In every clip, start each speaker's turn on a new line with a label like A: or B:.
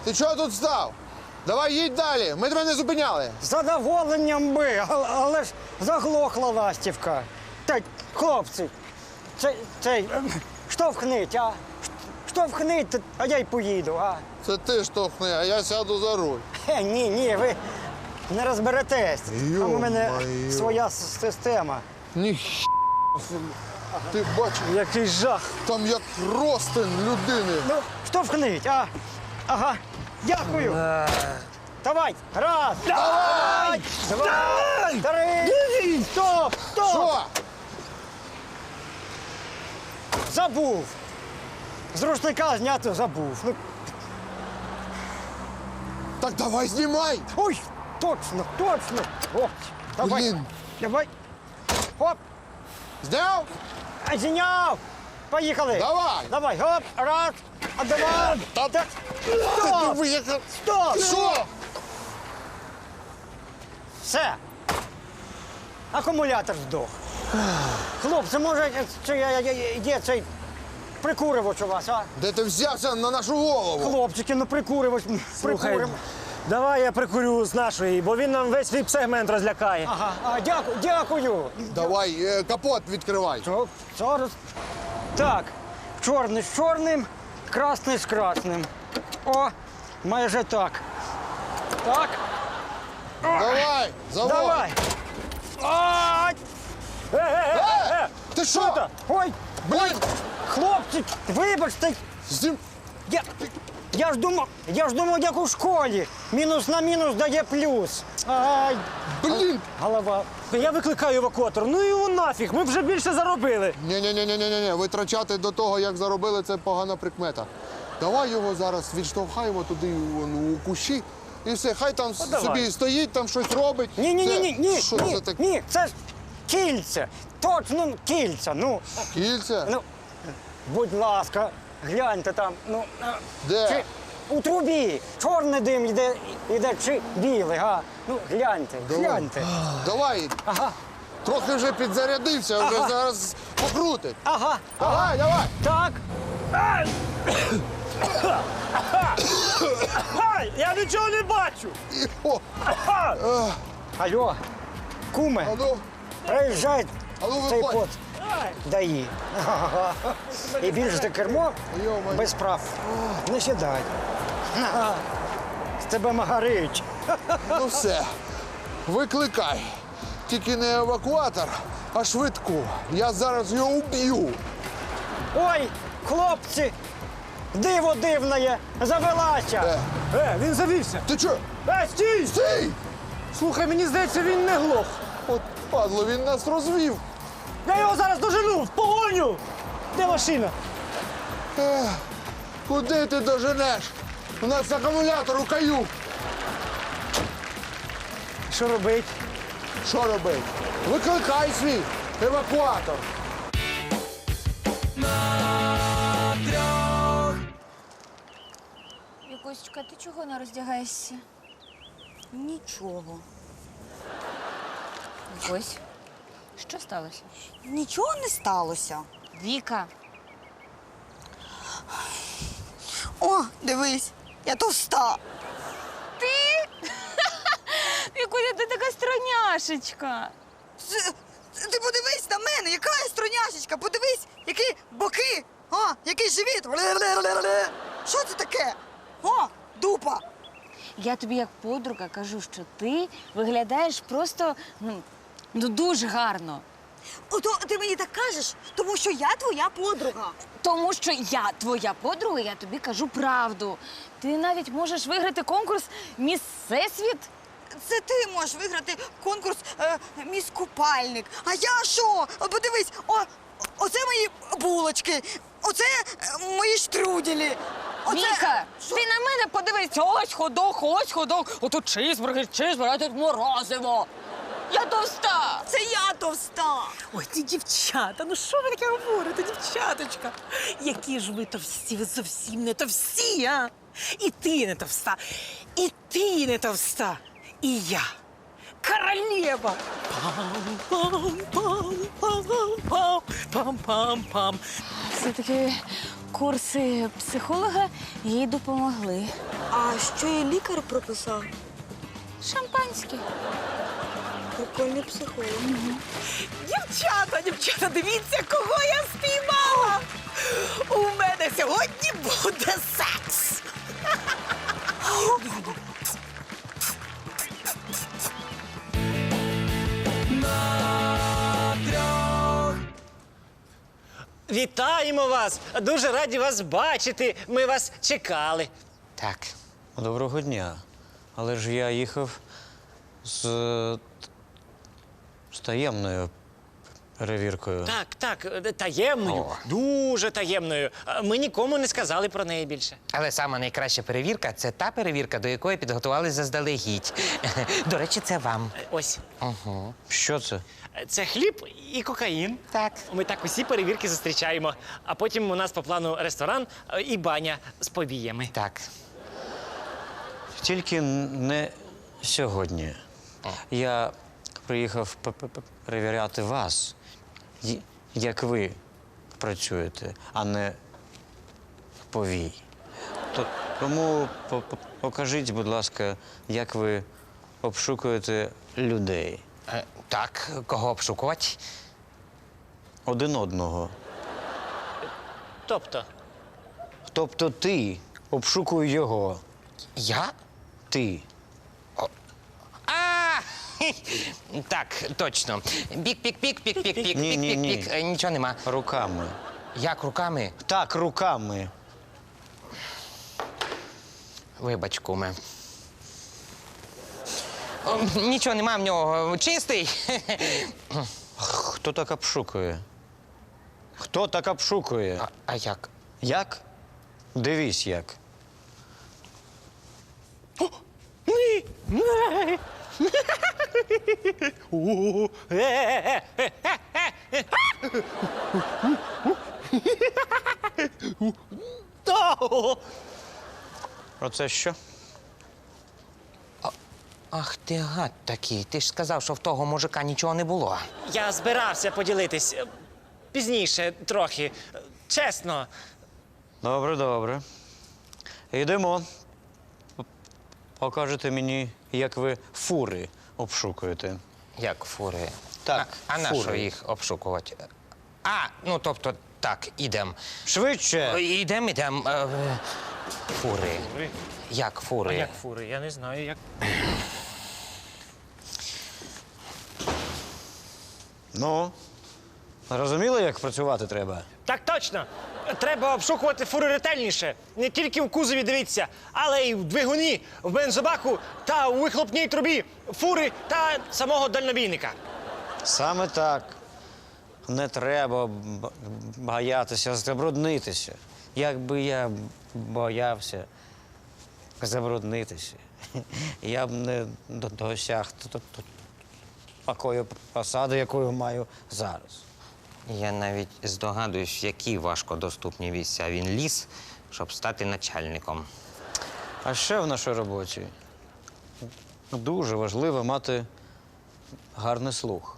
A: Ти чого тут став? Давай їдь далі, ми тебе не зупиняли.
B: З задоволенням би, але ж заглохла ластівка. Та, хлопці, штовхніть, а? Штовхніть, а я й поїду, а?
A: Це ти штовхни, а я сяду за руль.
B: Ні, ви не розберетесь. Там у мене
A: Йо-моє.
B: своя система.
A: Ні. Ти бачиш,
B: Який жах.
A: там як ростин людини.
B: Ну, штовхніть, а? Ага, дякую. Давай, раз.
A: Давай!
B: Два, три. Стоп, стоп.
A: Що?
B: Забув. З рушника зняти забув. Ну,
A: Так давай знімай!
B: ой, точно. О, давай.
A: Блін.
B: Давай. Хоп.
A: Зняв?
B: Зняв. Поїхали.
A: Давай.
B: Давай, гоп, раз, а два.
A: Та
B: Стоп.
A: диви, яка...
B: Стоп.
A: Що?
B: Все. Акумулятор здох. Хлопці, може, є цей прикуривач у вас, а?
A: Де ти взявся на нашу голову?
B: Хлопчики, ну прикуривач,
C: Слухай,
B: прикуримо.
C: давай я прикурю з нашої, бо він нам весь віп-сегмент розлякає.
B: Ага, дякую.
A: Давай, капот відкривай.
B: Зараз. Так, чорний з чорним, красний з красним. О, майже так. Так,
A: Давай, заводь.
B: давай. Ай!
A: Ти що?
B: Ой,
A: Блін,
B: хлопці, вибачте,
A: знім...
B: я ж думав, як у школі. Мінус на мінус дає плюс. Ай,
A: Блін.
B: голова.
C: Я викликаю евакуатор. Ну його нафіг, ми вже більше заробили.
A: Ні, витрачати до того, як заробили, це погана прикмета. Давай його зараз відштовхаємо туди у кущі і все, хай там
C: давай.
A: собі стоїть, там щось робить.
B: Ні,
A: Що це таке?
B: ні, це ж кільце. Точно кільце. Ну,
A: Кільця?
B: ну, будь ласка, гляньте там. Ну,
A: Де?
B: чи у трубі чорний дим йде чи білий, га? Ну, гляньте.
A: Давай,
B: Ага,
A: трохи вже підзарядився, вже
B: Ага.
A: зараз покрутить.
B: ага.
A: Давай.
B: Так,
C: Ай, я нічого не бачу.
A: О,
B: алло, куме,
A: а ну,
B: приїжджай цей
A: виходь.
B: пот. Даї. І більше за кермо
A: Йо-моє.
B: без прав. Не сідай. З тебе магарич.
A: Ну все, викликай. Тільки не евакуатор, а швидку. Я зараз його уб'ю.
B: Ой, хлопці, диво дивне, завелася.
C: Він завівся.
A: Ти чого?
C: Стій!
A: Стій!
C: Слухай, мені здається, він не глох.
A: От падло, він нас розвів.
C: Я його зараз дожену, в погоню! Де машина?
A: Куди ти доженеш? У нас акумулятор у каю.
C: Що робить?
A: Що робити? Викликай свій евакуатор.
D: Вікусечка, ти чого не роздягаєшся?
E: Нічого.
D: Ось. Що сталося?
E: Нічого не сталося.
D: Віка.
E: О, дивись, я товста.
D: Вікуся, ти така строняшечка.
E: Ти подивись на мене, яка я строняшечка. Подивись, які боки, який живіт. Що це таке? О, дупа.
D: Я тобі як подруга кажу, що ти виглядаєш просто дуже гарно.
E: Ото ти мені так кажеш, тому що я твоя подруга.
D: Тому що я твоя подруга, я тобі кажу правду. Ти навіть можеш виграти конкурс «Міс Всесвіт».
E: Це ти можеш виграти конкурс «Міс Купальник». А я що? Подивись, оце мої булочки, оце мої штруделі.
D: Віка,
E: Що?
D: ти на мене подивись. Ось ходок. Отут чизбургер, а тут морозиво. Я товста.
E: Це я товста.
F: Ой, ті дівчата, ну що ви таке говорите, дівчаточка? Які ж ви товсті, ви зовсім не товсті, а? І ти не товста, і ти не товста, і я. Королева! Пам-пам-пам-пам-пам-пам.
D: Все-таки курси психолога їй допомогли.
E: А що і лікар прописав?
D: Шампанське.
E: Прикольний психолог.
F: Дівчата, дивіться, кого я спіймала! У мене сьогодні буде секс!
C: Вітаємо вас! Дуже раді вас бачити. Ми вас чекали. Так, доброго дня. Але ж я їхав з таємною перевіркою.
G: Так, таємною, дуже таємною. Ми нікому не сказали про неї більше.
H: Але сама найкраща перевірка це та перевірка, до якої підготувалися заздалегідь. До речі, це вам.
G: Ось,
C: Що це?
G: це хліб і кокаїн.
H: Так.
G: Ми так усі перевірки зустрічаємо. А потім у нас по плану ресторан і баня з повіями.
H: Так.
C: Тільки не сьогодні. Я приїхав перевіряти вас, як ви працюєте, а не повій. Тому покажіть, будь ласка, як ви обшукуєте людей.
H: Так, кого обшукувати?
C: Один одного.
G: Тобто,
C: Тобто ти обшукуй його.
H: Я?
C: Ти.
H: А! Так, точно. Пік-пік-пік.
C: Ні.
H: Нічого нема.
C: Руками.
H: Як руками?
C: Так, руками.
H: Вибач, куме. Нічого нема в нього. Чистий.
C: Хто так обшукує? Хто так обшукує?
H: А як?
C: Як? Дивись як. Оце що?
H: Ах ти гад такий. Ти ж сказав, що в того мужика нічого не було.
G: я збирався поділитись пізніше трохи. Чесно.
C: Добре. Йдемо. Покажете мені, як ви фури обшукуєте.
H: Як фури?
C: Так,
H: А на що
C: фури.
H: їх обшукувати? А, ну тобто, так, ідем.
C: Швидше!
H: Ідем. Фури. Як фури?
G: Як фури? Я не знаю, як.
C: Ну, зрозуміли, як працювати треба?
G: Так точно! Треба обшукувати фури ретельніше. Не тільки в кузові дивіться, але й в двигуні, в бензобаку та у вихлопній трубі фури та самого дальнобійника.
C: Саме так. Не треба боятися забруднитися. Якби я боявся забруднитися, я б не досяг такої посади, якою маю зараз.
H: Я навіть здогадуюсь, в які важкодоступні місця він ліз, щоб стати начальником.
C: А ще в нашій роботі дуже важливо мати гарний слух.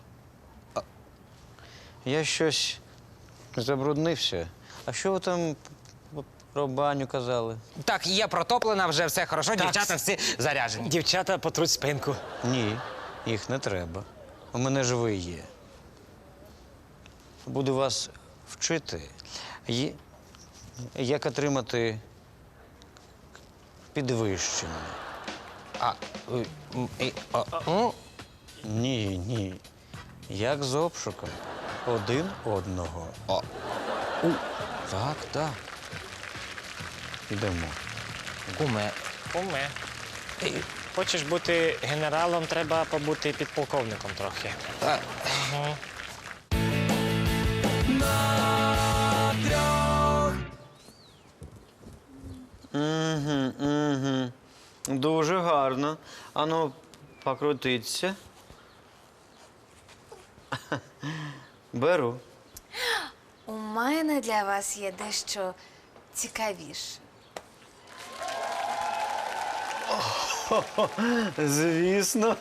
C: Я щось забруднився. А що ви там про баню казали?
H: Так, є протоплена, вже все хорошо, дівчата всі заряжені.
G: Дівчата потруть спинку.
C: Ні, їх не треба. У мене ж ви є. Буду вас вчити, як отримати підвищення. Ні. Як з обшуком. Один одного. Так. Ідемо.
H: Куме,
G: Куме. Хочеш бути генералом, треба побути підполковником трохи.
C: Угу. Дуже гарно. Ану, покрутиться. Беру.
D: У мене для вас є дещо цікавіше.
C: Звісно.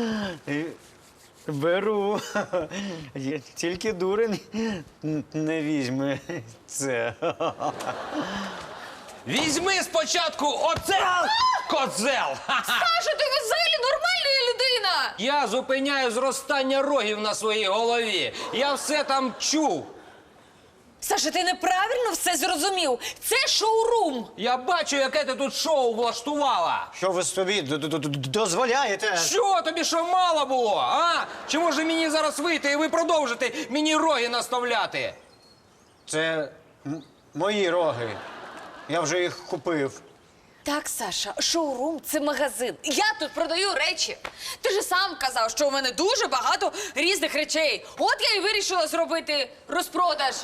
C: Беру. Тільки дурень не візьме це.
I: Візьми спочатку оце козел! Ха-ха!
D: Саша, ти взагалі нормальна людина!
I: Я зупиняю зростання рогів на своїй голові. Я все там чув.
D: Саша, ти неправильно все зрозумів. Це шоурум.
I: Я бачу, яке ти тут шоу влаштувала.
B: Що ви собі дозволяєте?
I: Що, тобі що мало було, а? Чи може мені зараз вийти і ви продовжите мені роги наставляти?
B: Це мої роги. Я вже їх купив.
D: Так, Саша, шоурум – це магазин. Я тут продаю речі. Ти ж сам казав, що у мене дуже багато різних речей. От я і вирішила зробити розпродаж.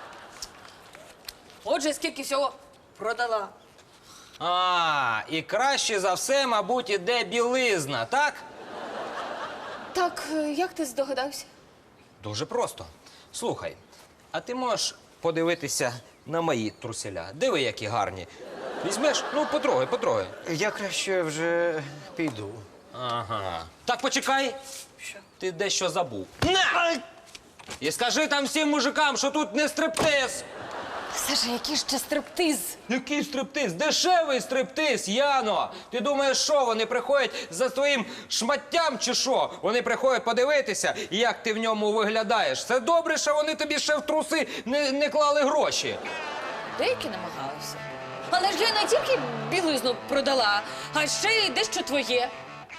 D: Отже, скільки всього продала.
I: А, і краще за все, мабуть, іде білизна, так?
D: Так, як ти здогадався?
I: Дуже просто. Слухай, а ти можеш подивитися на мої труселя? Диви, які гарні. Візьмеш? Ну, потрогай.
B: Я краще вже піду.
I: Ага. Так, почекай. Що? Ти дещо забув. На! І скажи там всім мужикам, що тут не стриптиз.
D: Саша, який ще стриптиз?
I: Який стриптиз? Дешевий стриптиз, Яно! Ти думаєш, що вони приходять за твоїм шматтям чи що? Вони приходять подивитися, як ти в ньому виглядаєш. Це добре, що вони тобі ще в труси не клали гроші.
D: Деякі намагалися. Але ж я не тільки білизну продала, а ще й дещо твоє.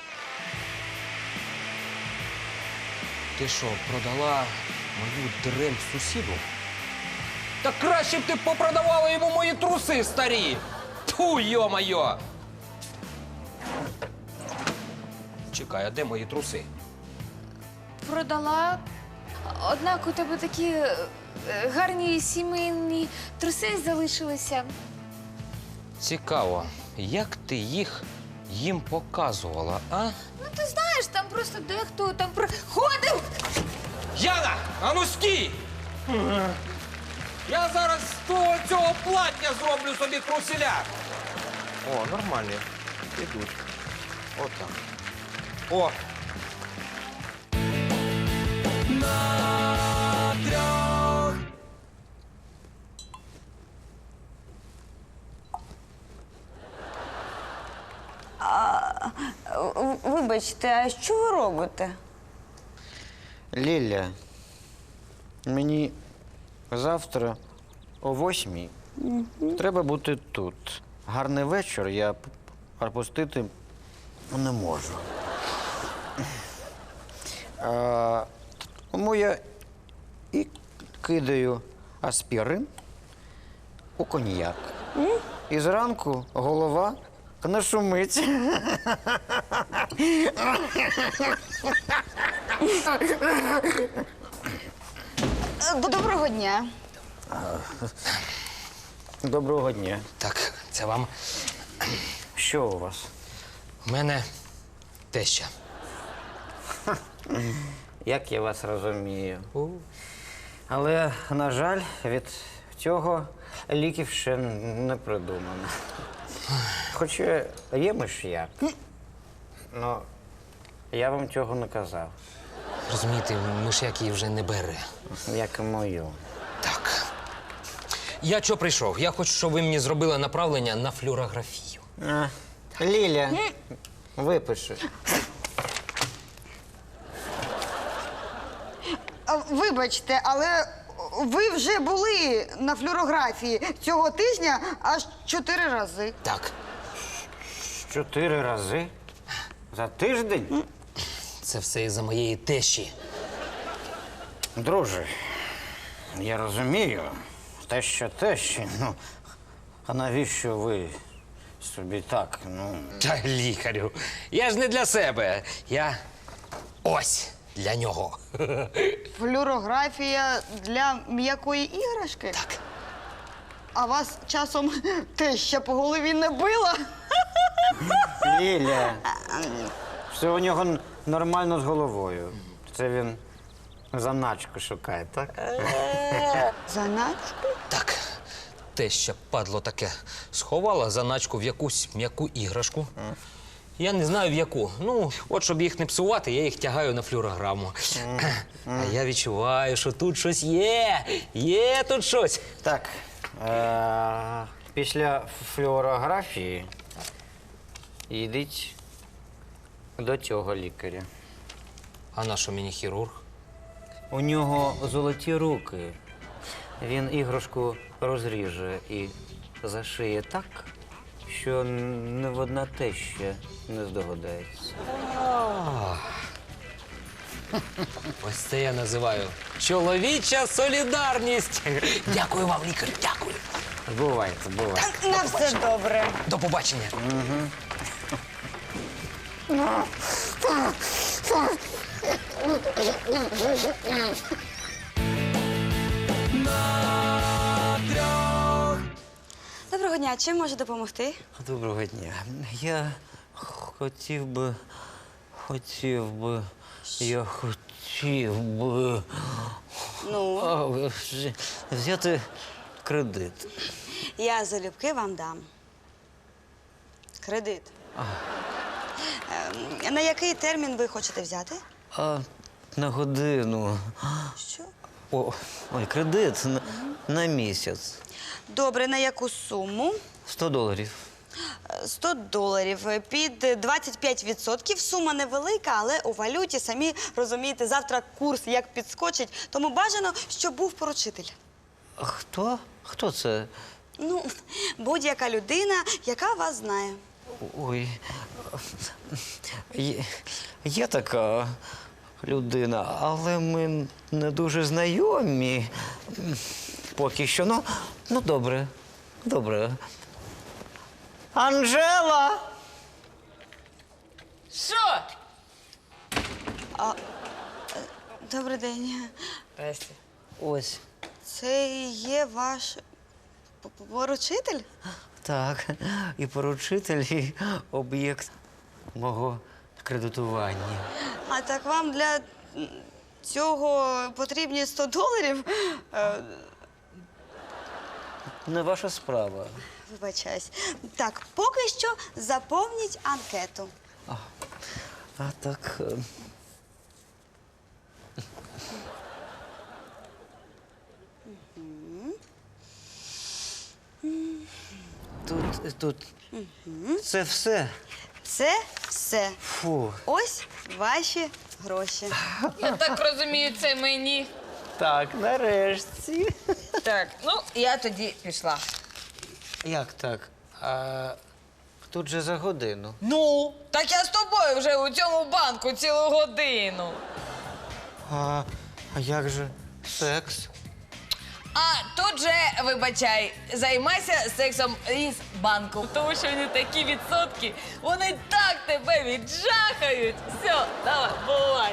I: Ти що, продала мою дрель сусіду? Та краще б ти попродавала йому мої труси старі! Тьфу, йо-моє! Чекай, а де мої труси?
D: Продала. Однак у тебе такі гарні сімейні труси залишилися.
I: Цікаво, як ти їм показувала, а?
D: Ну, ти знаєш, там просто дехто там приходив.
I: Яна, а ну стій! Я зараз з того цього платня зроблю собі труселя. О, нормально. Ідуть. Отак. О!
E: Вибачте, а що ви робите?
B: Ліля, мені завтра о 8:00 треба бути тут. Гарний вечір я пропустити не можу. Тому я і кидаю аспірин у коньяк. І зранку голова не шумить.
E: Доброго дня.
B: Доброго дня.
I: Так, це вам.
B: Що у вас?
I: У мене теща.
B: Як я вас розумію. Але, на жаль, від цього ліків ще не придумано. Хоча є миш'як. Ну, я вам цього не казав,
I: Розумієте, миш'як її вже не бере.
B: як і мою.
I: Так. Я чого прийшов? Я хочу, щоб ви мені зробили направлення на флюорографію.
B: Ліля, випиши.
E: Вибачте, але ви вже були на флюорографії цього тижня аж 4 рази.
I: Так,
B: 4 рази? За тиждень?
I: це все із-за моєї тещі.
B: Друже, я розумію, те, що, ну, а навіщо ви собі так, ну...
I: Та лікарю, я ж не для себе. Я ось для нього.
E: Флюорографія для м'якої іграшки?
I: Так.
E: А вас часом теща по голові не била?
B: Ліля, все у нього нормально з головою. Це він заначку шукає, так?
E: Заначку?
I: Так, теща, падло таке, сховала заначку в якусь м'яку іграшку. Я не знаю в яку. Ну, от щоб їх не псувати, я їх тягаю на флюорограму. А я відчуваю, що тут щось є. Є тут щось.
B: Так, Після флюорографії йдіть до цього лікаря.
H: А на що мені хірург?
B: У нього золоті руки. Він іграшку розріже і зашиє так, що ні одна теща не здогадається.
I: Ось це я називаю чоловіча солідарність. Дякую вам, лікар, дякую.
B: Бувайте, бувайте.
E: На все добре.
I: До побачення.
E: Доброго дня, чим можу допомогти?
B: Доброго дня. Я хотів би.
E: Ну,
B: Взяти кредит.
E: я залюбки вам дам. Кредит. На який термін ви хочете взяти?
B: А на годину.
E: Що?
B: Ой, кредит на місяць.
E: Добре, на яку суму?
B: $100.
E: $100. Під 25%. Сума невелика, але у валюті, самі розумієте, завтра курс як підскочить, тому бажано, щоб був поручитель.
B: Хто? Хто це?
E: Ну, будь-яка людина, яка вас знає.
B: Ой. Є така людина, але ми не дуже знайомі. Поки що. Ну добре. Добре. Анжела!
D: Що?
E: Добрий день.
B: Ось.
E: Це є ваш поручитель?
B: Так. І поручитель, і об'єкт мого кредитування.
E: А так вам для цього потрібні $100?
B: Не ваша справа.
E: Вибачаюсь. Так, поки що заповніть анкету.
B: А так. Тут. Це все.
E: Це все.
B: Фу.
E: Ось ваші гроші.
D: Я так розумію, це мені.
B: Так, нарешті.
D: Так, ну я тоді пішла.
B: Як так? А тут же за годину.
D: Ну, так я з тобою вже у цьому банку цілу годину.
B: А як же секс?
D: А тут же, вибачай, займайся сексом із банку. Тому що вони такі відсотки, вони так тебе віджахають. Все, давай, бувай.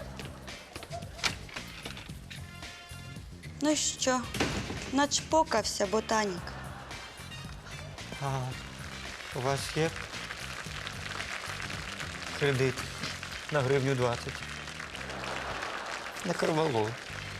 E: Ну що, начпокався ботанік.
B: А у вас є кредит на гривню 20? На Карвалол.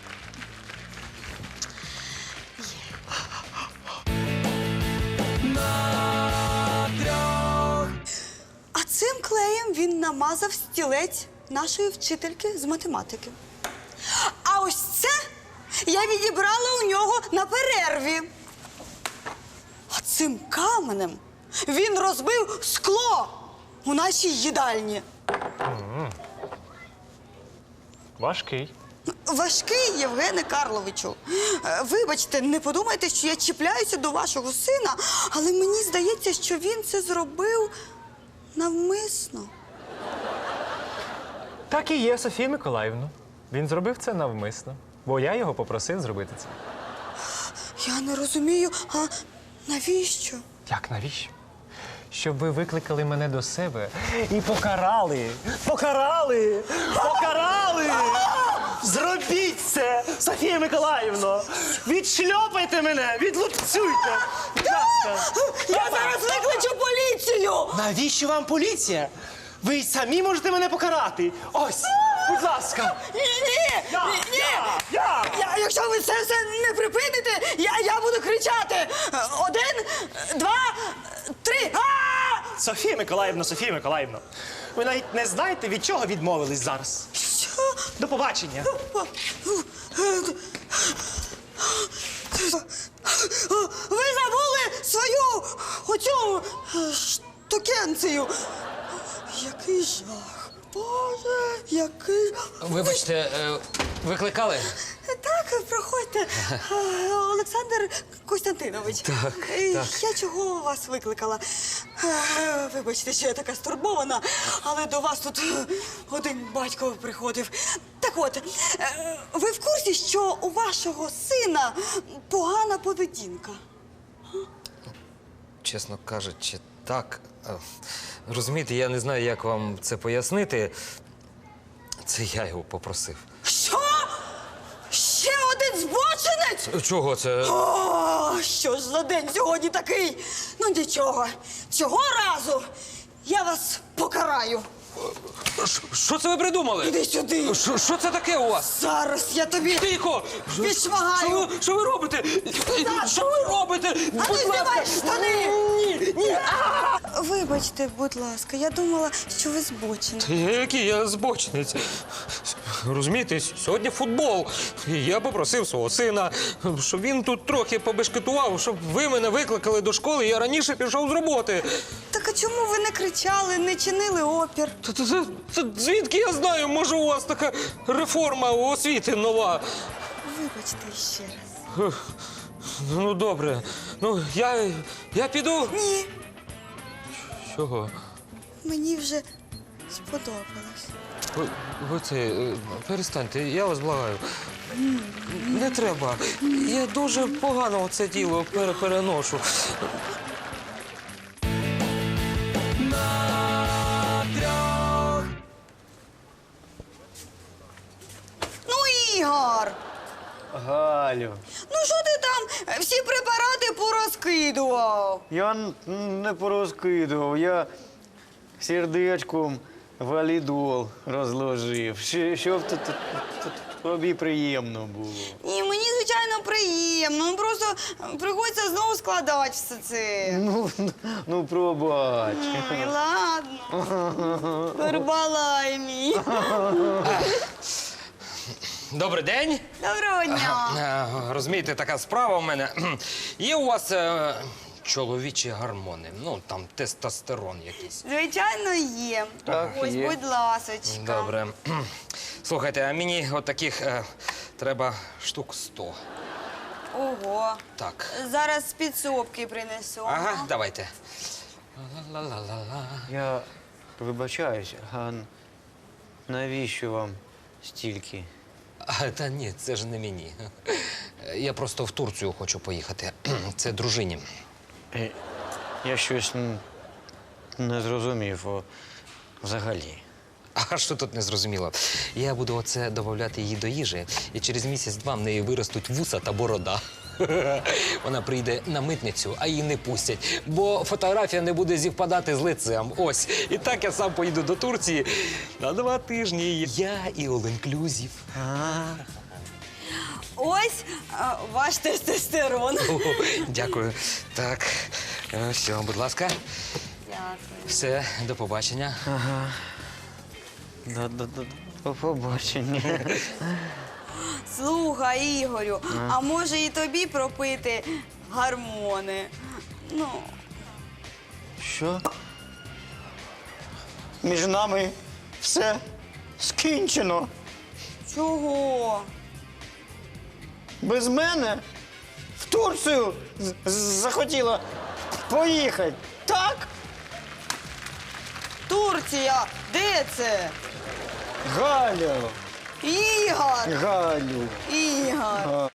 E: А цим клеєм він намазав стілець нашої вчительки з математики. А ось це я відібрала у нього на перерві. А цим каменем він розбив скло у нашій їдальні.
G: Важкий.
E: Важкий, Євгене Карловичу. Вибачте, не подумайте, що я чіпляюся до вашого сина, але мені здається, що він це зробив навмисно.
G: Так і є, Софія Миколаївна. Він зробив це навмисно, бо я його попросив зробити це.
E: Я не розумію, а навіщо?
G: Як, навіщо? Щоб ви викликали мене до себе і покарали! Покарали! Покарали! Зробіть це, Софія Миколаївна! Відшльопайте мене, відлупцюйте! Будь ласка!
E: Я зараз викличу поліцію!
G: Навіщо вам поліція? Ви самі можете мене покарати! Ось, будь ласка!
E: Ні! Якщо ви це все не припините, я буду кричати! 1, 2, 3!
G: Софія Миколаївна, ви навіть не знаєте, від чого відмовились зараз.
E: Що?
G: До побачення.
E: Ви забули свою оцю штукенцію. Який жах. Боже, який...
I: Вибачте, викликали?
E: Так, проходьте. Олександр Костянтинович. Так. Я чого вас викликала? Вибачте, що я така стурбована, але до вас тут один батько приходив. Так от, ви в курсі, що у вашого сина погана поведінка?
I: Чесно кажучи, так. Розумієте, я не знаю, як вам це пояснити. Це я його попросив.
E: Що? Ще один збочинець?
I: Чого це?
E: О, що ж за день сьогодні такий? Ну нічого, цього разу я вас покараю.
I: Що це ви придумали?
E: Іди сюди.
I: Що це таке у вас?
E: Зараз я тобі
I: Тихо!
E: відшмагаю.
I: Що ви робите? Що ви робите?
E: А ти знімай штани! Ні! Вибачте, будь ласка, я думала, що ви збочені.
I: Який я збочинець? Розумієте, сьогодні футбол. І я попросив свого сина, щоб він тут трохи побешкетував, щоб ви мене викликали до школи, і я раніше пішов з роботи.
E: Так а чому ви не кричали, не чинили опір?
I: Та звідки я знаю, може у вас така реформа освіти нова?
E: Вибачте ще раз.
I: Ну, добре. Ну, я піду.
E: Ні,
I: Чого?
E: мені вже сподобалось.
I: Ви це, перестаньте, я вас благаю. Не треба. Я дуже погано це діло переношу.
E: Ну, Ігор!
B: Галю,
E: Ну що ти там всі препарати порозкидував?
B: я не порозкидував, я сердечком валідол розложив, щоб тобі приємно було.
E: Ні, мені, звичайно, приємно. Ну просто приходиться знову складати все це.
B: Ну пробач.
E: Ой, ладно. Барбалай мій.
I: Добрий день.
E: Доброго дня.
I: Розумієте, така справа у мене. Є у вас чоловічі гормони, ну там тестостерон якийсь.
E: Звичайно, є.
B: Так,
E: Ось,
B: є.
E: будь ласочка.
I: Добре. Слухайте, а мені от таких треба штук 100.
E: Ого.
I: Так.
E: Зараз з підсобки принесу.
I: Ага, давайте. Ла-ла-ла-ла-ла.
B: Я вибачаюсь, а навіщо вам стільки?
I: Та ні, це ж не мені. Я просто в Турцію хочу поїхати. Це дружині.
B: Я щось не зрозумів взагалі.
I: А що тут не зрозуміло? Я буду оце додавати її до їжі, і через місяць-два в неї виростуть вуса та борода. Вона прийде на митницю, а її не пустять, бо фотографія не буде зівпадати з лицем. Ось. І так я сам поїду до Турції на 2 тижні. Я і all-inclusive.
E: Ось ваш тестостерон.
I: О, дякую. Так, все, будь ласка.
E: Дякую.
I: Все, до побачення.
B: До побачення.
E: Слухай, Ігорю, а може і тобі пропити гормони? Ну,
J: Що? Між нами все скінчено.
E: чого?
J: Без мене в Турцію захотіла поїхати. Так?
E: Турція, де це?
J: Галю,
E: Ігор!
J: Галю.
E: Ігор!